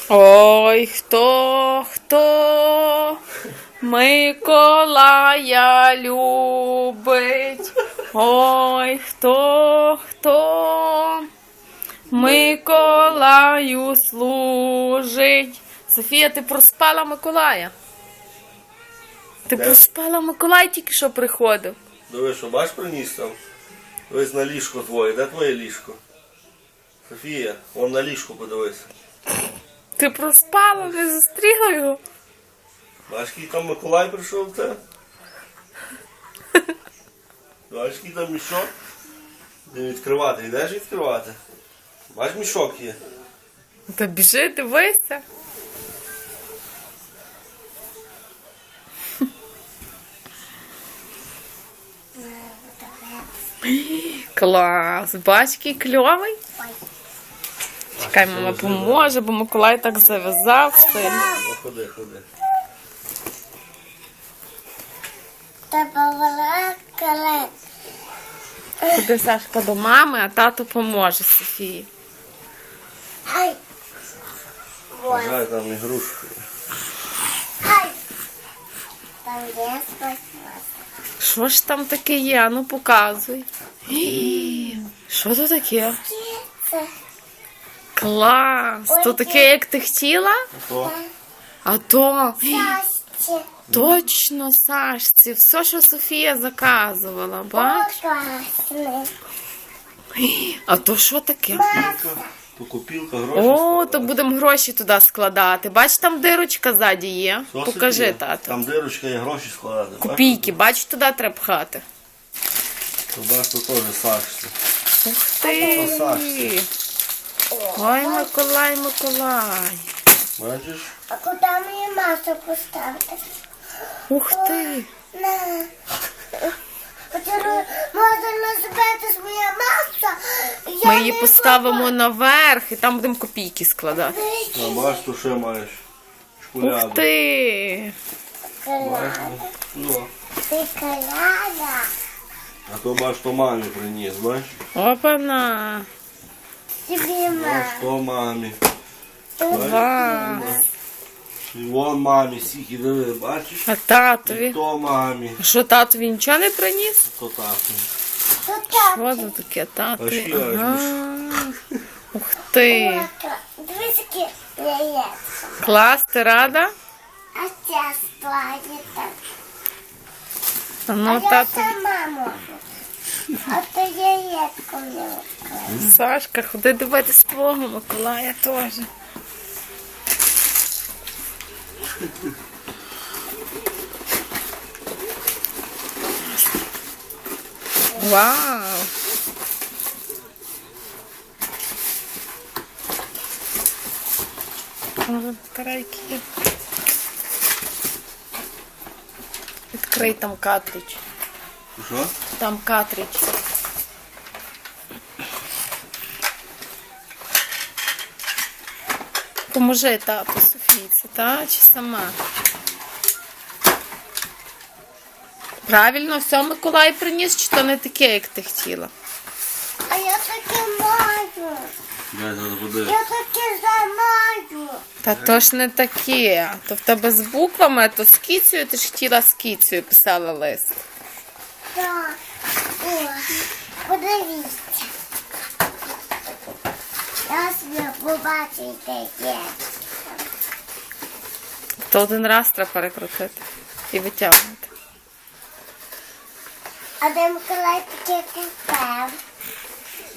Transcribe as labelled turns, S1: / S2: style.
S1: Ой, хто Миколая любить? Ой, хто Миколаю служить? Софія, ти проспала Миколая? Ти проспала Миколай, тільки що приходив.
S2: Диви, що бач приніс там? Дивись на ліжко твоє. Де твоє ліжко? Софія, вон на ліжко подивись.
S1: Ти проспала, не зустріла його?
S2: Бачиш, який там Миколай прийшов в тебе? Бачиш, який там мішок? Де відкривати? Йдеш відкривати? Бач, мішок є.
S1: Та біжи, дивися. Клас, бач, який кльовий. Чекай, мама поможе, бо Миколай так зав'язав сильно.
S2: Ну, ходи, ходи.
S1: Ходи, Сашка, до мами, а тато поможе Софії.
S2: Бажаю там ігрушки.
S1: Що ж там таке є? А ну показуй. Що це таке? Клас! То таке, як ти хотіла?
S2: То?
S1: А то... Точно, Сашці, все, що Софія заказувала, бач? А то що таке?
S2: То купілка, гроші.
S1: О, то будемо гроші туди складати. Бач, там дирочка ззаді є.
S2: Що,
S1: Покажи,
S2: Софія?
S1: тато.
S2: Там дирочка є, гроші складати.
S1: Копійки, бач, туди треба пхати.
S2: То бач, то теж Сашці.
S1: Ух ти!
S2: То Сашці.
S1: Ой, Миколай, Миколай.
S2: Бачиш?
S3: А куди мені масу поставити?
S1: Ух ти!
S3: На. Можна назбити своя маса.
S1: Ми її поставимо наверх і там будемо копійки складати.
S2: А бач, то ще маєш. Шкуляду.
S1: Ух ти!
S2: Ну.
S3: Ти коляда.
S2: А то бач, то мамі приніс, бач?
S1: Опана!
S3: Тобі
S2: Бач,
S3: ма.
S2: то мамі.
S1: Клас!
S2: І вон мамі, стільки диви, бачиш?
S1: А
S2: І
S1: татові?
S2: то мамі.
S1: А що, татові нічого не приніс?
S2: То тату.
S1: Що це таке, татові?
S2: Важкі,
S1: Ага. Ух ти!
S3: Дивись, які яєчко.
S1: Клас, ти рада?
S3: А ця складі так.
S1: А
S3: А
S1: ну,
S3: я
S1: тато.
S3: сама можу. А то яєчко не викладу.
S1: Сашка, ходи дивитись твого Миколая теж. Вау! Карайки. Відкрий там картридж.
S2: Що?
S1: Там картридж. Поможи тату Софійці, та? Чи сама? Правильно, все Миколай приніс, чи то не таке, як ти хотіла?
S3: А я таке маю.
S2: Дай зараз буде.
S3: Я таке замаю.
S1: Та то ж не таке. То в тебе з буквами, а то з кіцею, ти ж хотіла з кіцею, писала лист.
S3: Так. О, подивіться. Я собі побачу таке.
S1: То один раз треба перекрутити і витягнути.
S3: А де Миколай таке купив?